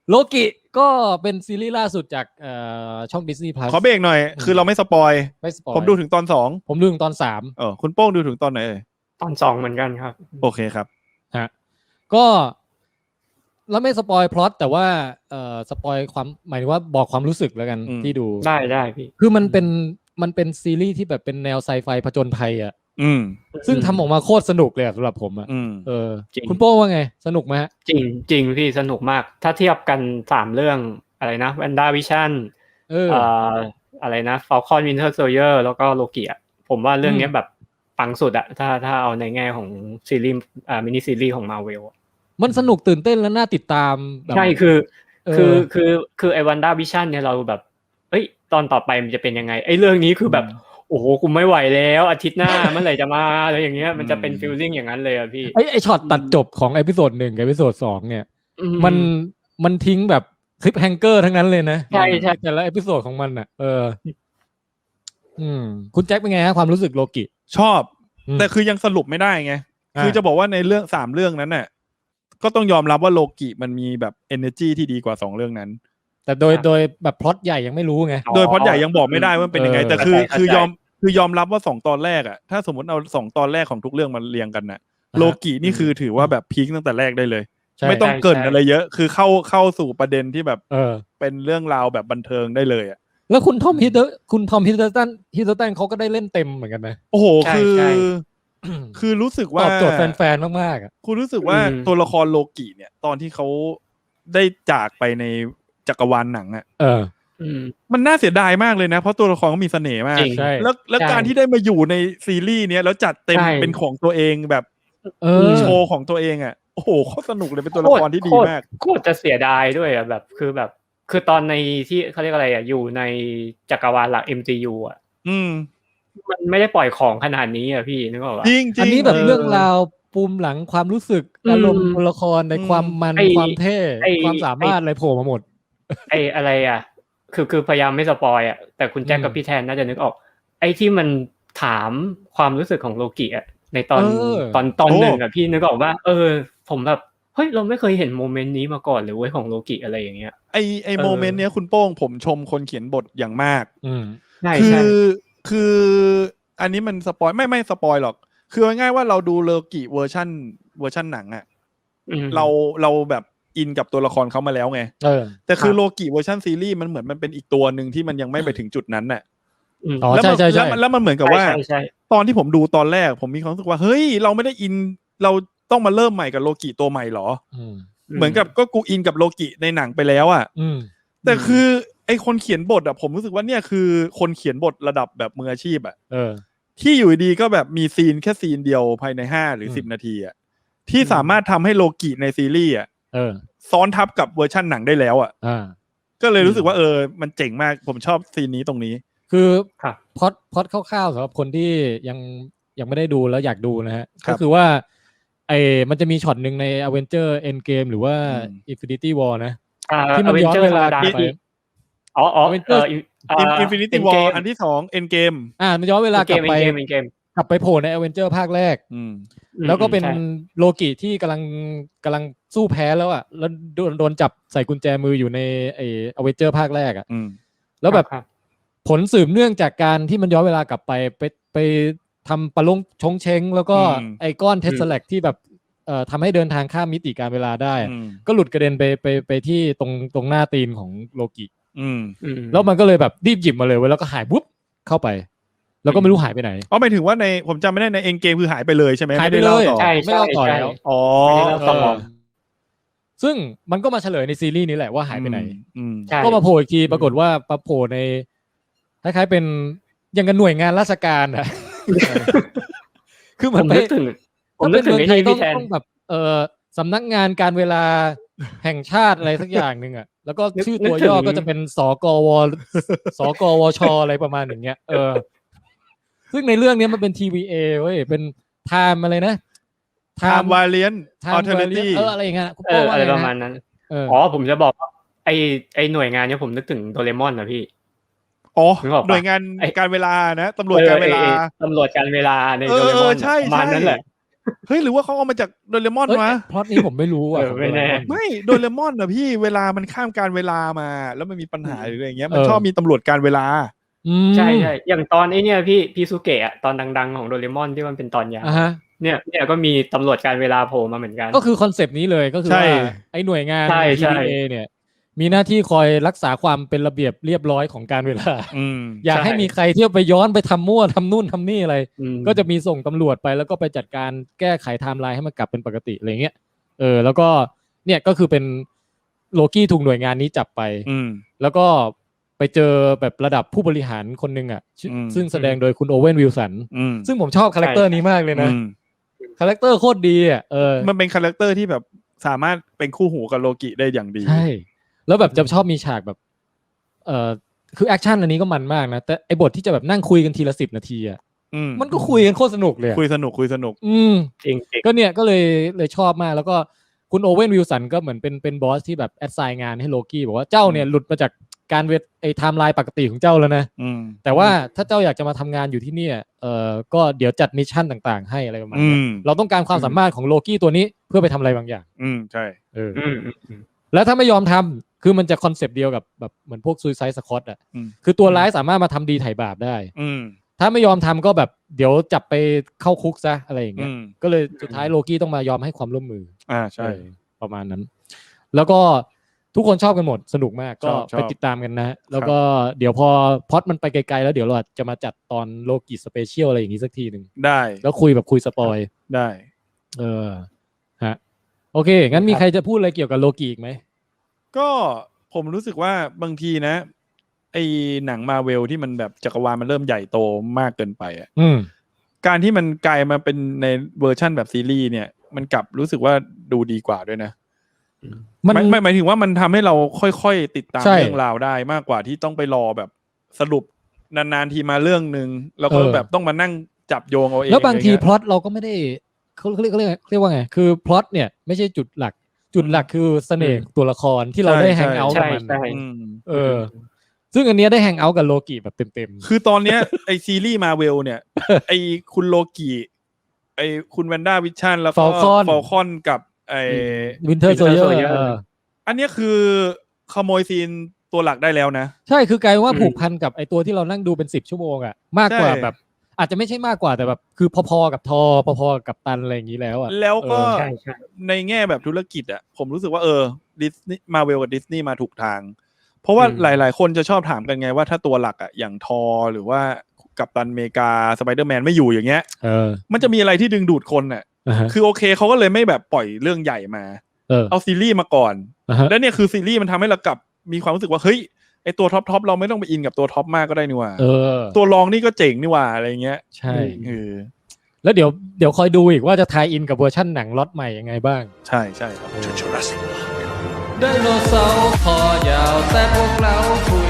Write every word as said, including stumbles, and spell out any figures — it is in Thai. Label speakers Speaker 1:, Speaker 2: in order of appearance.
Speaker 1: โลกิก็เป็นซีรีส์ล่าสุดจากเอ่อช่อง Disney Plus
Speaker 2: ขอเบรกหน่อยคือเราไม่สปอย
Speaker 1: ไม่สปอย
Speaker 2: ผมดูถึงตอนสอง
Speaker 1: ผมดูถึงตอนสาม
Speaker 2: เออคุณโป้งดูถึงตอนไหนเอ่ย
Speaker 3: ตอนสองเหมือนกันครับ
Speaker 2: โอเคครับ
Speaker 1: ฮะก็แล้วไม่สปอยพล็อตแต่ว่าเอ่อสปอยความหมายถึงว่าบอกความรู้สึกแล้วกันที่ดู
Speaker 3: ได้ได้พี่
Speaker 1: คือมันเป็นมันเป็นซีรีส์ที่แบบเป็นแนวไซไฟผจญภัยอ่ะ
Speaker 2: อืม
Speaker 1: ซึ่งทำออกมาโคตรสนุกเลยสำหรับผมอ่ะเออคุณโป้ว่าไงสนุกไหมฮะ
Speaker 3: จริงจริงพี่สนุกมากถ้าเทียบกันสามเรื่องอะไรนะแวนด้าวิชั่นเอ่ออะไรนะฟอลคอนวินเทอร์โซลเยอร์แล้วก็โลกิอ่ะผมว่าเรื่องนี้แบบปังสุดอะถ้าถ้าเอาในแง่ของซีรีส์อ่ามินิซีรีส์ของ Marvel
Speaker 1: มันสนุกตื่นเต้นและน่าติดตาม
Speaker 3: ใช่คือคือคือคือไอ้วันด้าวิชั่นเนี่ยเราแบบเอ้ยตอนต่อไปมันจะเป็นยังไงไอ้เรื่องนี้คือแบบโอ้โหกูไม่ไหวแล้วอาทิตย์หน้าเมื่อไหร่จะมาอะไรอย่างเงี้ยมันจะเป็นฟีลลิ่งอย่างนั้นเลยอ่ะพี่
Speaker 1: ไอ้ไอ้ช็อตตัดจบของเอพิโซดหนึ่งกับเอพิโซดสองเนี่ยมันมันทิ้งแบบคลิปแฮงเกอร์ทั้งนั้นเลยนะ
Speaker 3: ใช่ใช่
Speaker 1: แต่ละเอพิโซดของมันอ่ะเอออืมคุณแจ็คเป็นไงฮะความรู้สึกโลกิ
Speaker 2: ชอบแต่คือยังสรุปไม่ได้ไงคือจะบอกว่าในเรื่องสามเรื่องนั้นน่ะก็ต้องยอมรับว่าโลกิมันมีแบบ energy ที่ดีกว่าสองเรื่องนั้น
Speaker 1: แต่โดยโดยแบบพล็อตใหญ่ยังไม่รู้ไง
Speaker 2: โดยพล็อตใหญ่ยังบอกไม่ได้ว่าเป็นยังไงแต่คือคือยอมคือยอมรับว่าสองตอนแรกอ่ะถ้าสมมติเอาสองตอนแรกของทุกเรื่องมาเรียงกันน่ะโลกินี่คือถือว่าแบบพีคตั้งแต่แรกได้เลยไม่ต้องเกริ่นอะไรเยอะคือเข้าเข้าสู่ประเด็นที่แบบเออเป็นเรื่องราวแบบบันเทิงได้เลยอ่ะ
Speaker 1: แล้วคุณทอมฮิตเตอร์คุณทอมฮิตเตอร์ตันฮิตเตอร์ตันเขาก็ได้เล่นเต็มเหมือนกันนะ
Speaker 2: โอ้โหคือคือรู้สึกว่า
Speaker 1: ตอบโจทย์แฟนๆมากๆอ่ะ
Speaker 2: คุณรู้สึกว่าตัวละครโลกิเนี่ยตอนที่เขาได้จากไปในจักรวาลหนังอ่ะ
Speaker 1: เออ
Speaker 2: มันน่าเสียดายมากเลยนะเพราะตัวละครเขามีเสน่ห์มากแล้วแล้วการที่ได้มาอยู่ในซีรีส์เนี้ยแล้วจัดเต็มเป็นของตัวเองแบบโชว์ของตัวเองอ่ะโอ้โหโคตรสนุกเลยเป็นตัวละครที่ดีมาก
Speaker 3: โคตรจะเสียดายด้วยอ่ะแบบคือแบบคือตอนในที่เขาเรียกอะไรอ่ะอยู่ในจักรวาลหลัก เอ็ม ซี ยู อ่ะ
Speaker 2: อืม
Speaker 3: มันไม่ได้ปล่อยของขนาดนี้อ่ะพี่นึกออกป่ะ
Speaker 2: จริง
Speaker 1: อันนี้แบบเรื่องราวปูมหลังความรู้สึกอารมณ์ตัวละครในความมันความเท่ความสามารถอะไรโผล่มาหมด
Speaker 3: ไอ้อะไรอ่ะคือคือพยายามไม่สปอยอ่ะแต่คุณแจ็คกับพี่แทนน่าจะนึกออกไอ้ที่มันถามความรู้สึกของโลกิอ่ะในตอนตอนตอนหนึ่งอ่ะพี่นึกออกว่าเออผมแบบเฮ้ยเราไม่เคยเห็นโมเมนต์นี้มาก่อนเลยเว้ยของโลกิอะไรอย่างเงี้ย
Speaker 2: ไอไอโมเมนต์เนี้ยคุณโป้งผมชมคนเขียนบทอย่างมาก
Speaker 1: อืม
Speaker 2: คือคืออันนี้มันสปอยไม่ไม่สปอยหรอกคือง่ายๆว่าเราดูโลกิเวอร์ชั่นเวอร์ชั่นหนังอ่ะเราเราแบบอินกับตัวละครเขามาแล้วไงแต่คือโลกิเวอร์ชันซีรีส์มันเหมือนมันเป็นอีกตัวหนึ่งที่มันยังไม่ไปถึงจุดนั้นน่ะ
Speaker 1: แล้วมัน
Speaker 2: แล้วมันเหมือนกับว่าตอนที่ผมดูตอนแรกผมมีความรู้สึกว่าเฮ้ยเราไม่ได้อินเราต้องมาเริ่มใหม่กับโลกิตัวใหม่หรอเหมือนกับก็กูอินกับโลกิในหนังไปแล้วอ่ะแต่คือไอคนเขียนบทอ่ะผมรู้สึกว่าเนี่ยคือคนเขียนบทระดับแบบมืออาชีพอ่ะที่อยู่ดีก็แบบมีซีนแค่ซีนเดียวภายในห้าหรือสิบนาทีอ่ะที่สามารถทำให้โลกิในซีรีส์อ่ะซ้อนทับกับเวอร์ชั่นหนังได้แล้วอ่ะก็เลยรู้สึกว่าเออมันเจ๋งมากผมชอบซีนนี้ตรงนี้
Speaker 1: คือพล็อตพล็อตคร่าวๆสำหรับคนที่ยังยังไม่ได้ดูแล้วอยากดูนะฮะก็คือว่าไอ้มันจะมีช็อตหนึ่งใน Avenger Endgame หรือว่า Infinity War นะที่มันย้อนเวลากลับไป
Speaker 3: อ๋ออ๋อเอ่อ
Speaker 2: Infinity War อันที่สอง Endgame
Speaker 1: อ่ามันย้อนเวลากลับไปกลับไปโผล่ใน Avenger ภาคแรกแล้วก็เป็นโลกิที่กำลังกำลังสู้แพ้แล้วอ่ะแล้วโดนโดนจับใส่กุญแจมืออยู่ในไอ้ Avenger ภาคแรกอ่ะแล้วแบบผลสืบเนื่องจากการที่มันย้อนเวลากลับไปไปไปทำปะลงชงเชงแล้วก็ไอ้ก้อนเทสแลกที่แบบเอ่อทำให้เดินทางข้ามมิติการเวลาได้ก็หลุดกระเด็นไปไปไปที่ตรงตรงหน้าตีนของโลกิแล้วมันก็เลยแบบรีบหยิบมาเลยแล้วก็หายปุ๊บเข้าไปแล้วก็ไม่รู้หายไปไหน
Speaker 2: อ๋อหมายถึงว่าในผมจำไม่ได้ในเอ็นเกมคือหายไปเลยใช่ไหม
Speaker 1: หายไปเลยไม่เล่าต่อแล้ว
Speaker 2: อ๋อ
Speaker 1: ซึ่งมันก็มาเฉลยในซีรีส์นี้แหละว่าหายไปไหนก็มาโผล่อีกทีปรากฏว่ามาโผล่ในคล้ายๆเป็นยังกันหน่วยงานราชการอะคือเหมือนไป
Speaker 3: ถึงผมนึกถึงไอ้ที่พี่แทน
Speaker 1: ต้องแบบเอ่อสำนักงานการเวลาแห่งชาติอะไรสักอย่างนึงอ่ะแล้วก็ชื่อตัวย่อก็จะเป็นสกวสกวชอะไรประมาณอย่างเงี้ยเออซึ่งในเรื่องนี้มันเป็น ที วี เอ เว้ยเป็น time อะไรนะ
Speaker 2: time variant
Speaker 1: alternative เอออะไรอย่างเงี้ย
Speaker 3: เอออะไรประมาณนั้นอ๋อผมจะบอกไอ้ไอ้หน่วยงานเนี้ยผมนึกถึงโดเรมอนนะพี่
Speaker 2: อ๋อหน่วยงานการเวลานะตำรวจการเวลา
Speaker 3: ตำรวจการเวลาในโดเรมอนประมาณนั้นแหละ
Speaker 2: เฮ้ยหรือว่าเขาเอามาจากโดเรมอนวะ
Speaker 1: พล็อตนี้ผมไม่รู้อ่ะ
Speaker 3: ไม่แน่
Speaker 2: ไม่โดเรมอนนะพี่เวลามันข้ามการเวลามาแล้วมันมีปัญหาหรืออะไรเงี้ยมันชอบมีตำรวจการเวลา
Speaker 3: ใช่ใช่อย่างตอนไอ้นี่พี่พีซูเกะตอนดังๆของโดเรมอนที่มันเป็นตอนยาวเนี่ยเนี่ยก็มีตำรวจการเวลาโผล่มาเหมือนกัน
Speaker 1: ก็คือคอนเซปต์นี้เลยก็คือว่าไอ้หน่วยงาน ที ดี เอ เนี่ยมีหน้าที่คอยรักษาความเป็นระเบียบเรียบร้อยของการเวลาอยากให้มีใครเที่ยวไปย้อนไปทำมั่วทำนู่นทำนี่อะไรก็จะมีส่งตำรวจไปแล้วก็ไปจัดการแก้ไขไทม์ไลน์ให้มันกลับเป็นปกติอะไรเงี้ยเออแล้วก็เนี่ยก็คือเป็นโลกี้ถูกหน่วยงานนี้จับไปแล้วก็ไปเจอแบบระดับผู้บริหารคนหนึ่งอ่ะซึ่งแสดงโดยคุณโอเว่นวิลสันซึ่งผมชอบคาแรคเตอร์นี้มากเลยนะคาแรคเตอร์โคตรดีอ่ะเออ
Speaker 2: มันเป็นคาแรคเตอร์ที่แบบสามารถเป็นคู่หูกับโลกิได้อย่างดี
Speaker 1: ใช่แล้วแบบจะชอบมีฉากแบบเอ่อคือแอคชั่นอันนี้ก็มันมากนะแต่ไอ้บทที่จะแบบนั่งคุยกันทีละสิบนาทีอ่ะมันก็คุยกันโคตรสนุกเลย
Speaker 2: คุยสนุกคุยสนุก
Speaker 1: อืมจริงก็เนี่ยก็เลยเลยชอบมากแล้วก็คุณโอเว่นวิลสันก็เหมือนเป็นเป็นบอสที่แบบแอดไซน์งานให้โลกี้บอกว่าเจ้าเนี่ยหลุดมาจากการเวทไอ้ไทม์ไลน์ปกติของเจ้าแล้วนะแต่ว่าถ้าเจ้าอยากจะมาทำงานอยู่ที่นี่เอ่อก็เดี๋ยวจัดมิชชั่นต่างๆให้อะไรประมาณนี้เราต้องการความสามารถของโลกี้ตัวนี้เพื่อไปทำอะไรบางอย่าง
Speaker 2: อืมใช่
Speaker 1: เออแล้วถ้าไม่ยอมทำคือมันจะคอนเซปต์เดียวกับแบบเหมือนพวกซูซายด์สควอตอ่ะคือตัวร้ายสามารถมาทำดีไถ่บาปได้ถ้าไม่ยอมทำก็แบบเดี๋ยวจับไปเข้าคุกซะอะไรอย่างเงี้ยก็เลยสุดท้ายโลกี้ต้องมายอมให้ความร่วมมือ
Speaker 2: อ่าใช่
Speaker 1: ประมาณนั้นแล้วก็ทุกคนชอบกันหมดสนุกมากก็ไปติดตามกันนะแล้วก็เดี๋ยวพอพอดมันไปไกลๆแล้วเดี๋ยวเราจะมาจัดตอนโลกิสเปเชียลอะไรอย่างนี้สักทีหนึ่ง
Speaker 2: ได้
Speaker 1: แล้วคุยแบบคุยสปอย
Speaker 2: ได้
Speaker 1: เออฮะโอเคงั้นมีใครจะพูดอะไรเกี่ยวกับโลกิอีกไหม
Speaker 2: ก็ผมรู้สึกว่าบางทีนะไอ้หนังมาเวลที่มันแบบจักรวาลมันเริ่มใหญ่โตมากเกินไปอ่ะการที่มันกลายมาเป็นในเวอร์ชั่นแบบซีรีส์เนี่ยมันกลับรู้สึกว่าดูดีกว่าด้วยนะมันไม่หมายถึงว่ามันทำให้เราค่อยๆติดตามเรื่องราวได้มากกว่าที่ต้องไปรอแบบสรุปนานๆทีมาเรื่องนึงแล้วก็แบบต้องมานั่งจับโยงเอาเอง
Speaker 1: แล้วบางทีพล็อตเราก็ไม่ได้เขาเรียกเรียกเรียกว่าไงคือพล็อตเนี่ยไม่ใช่จุดหลักจุดหลักคือเสน่ห์ตัวละครที่เราได้แฮงเอาท์กับมันเออซึ่งอันเนี้ยได้แฮงเอาท์กับโลกิแบบเต็ม
Speaker 2: ๆคือตอนเนี้ยไอซีรีส์มาเวลเนี่ยไอคุณโลกิไอคุณแวนด้าวิชั่นแล้วก็ฟอลคอนกับไอ
Speaker 1: วินเทอร์โซลเยอร์
Speaker 2: อันนี้คือขโมยซีนตัวหลักได้แล้วนะ
Speaker 1: ใช่คือกลายว่าผูกพันกับไอตัวที่เรานั่งดูเป็นสิบชั่วโมงอ่ะมากกว่าแบบอาจจะไม่ใช่มากกว่าแต่แบบคือพอๆกับทอพอๆกับตันอะไรอย่างนี้แล้วอ่ะ
Speaker 2: แล้วก็ในแง่แบบธุรกิจอ่ะผมรู้สึกว่าเออดิสนีย์มาเวลกับดิสนีย์มาถูกทางเพราะว่าหลายๆคนจะชอบถามกันไงว่าถ้าตัวหลักอ่ะอย่างทอหรือว่ากัปตันอเมริกาสไปเดอร์แมนไม่อยู่อย่างเงี้ยมันจะมีอะไรที่ดึงดูดคนอ่ะคือโอเคเขาก็เลยไม่แบบปล่อยเรื่องใหญ่มาเอาซีรีส์มาก่อนแล้วเนี่ยคือซีรีส์มันทำให้เรากลับมีความรู้สึกว่าเฮ้ยไอตัวท็อปท็อปเราไม่ต้องไปอินกับตัวท็อปมากก็ได้นี่ว่าตัวรองนี่ก็เจ๋งนี่ว่าอะไรเงี้ย
Speaker 1: ใช่เออแล้วเดี๋ยวเดี๋ยวคอยดูอีกว่าจะทายอินกับเวอร์ชั่นหนังล็อตใหม่ยังไงบ้าง
Speaker 2: ใช่ใช่ครับ
Speaker 1: ไดโนเสาร์คอยาวแต่พวกเราถู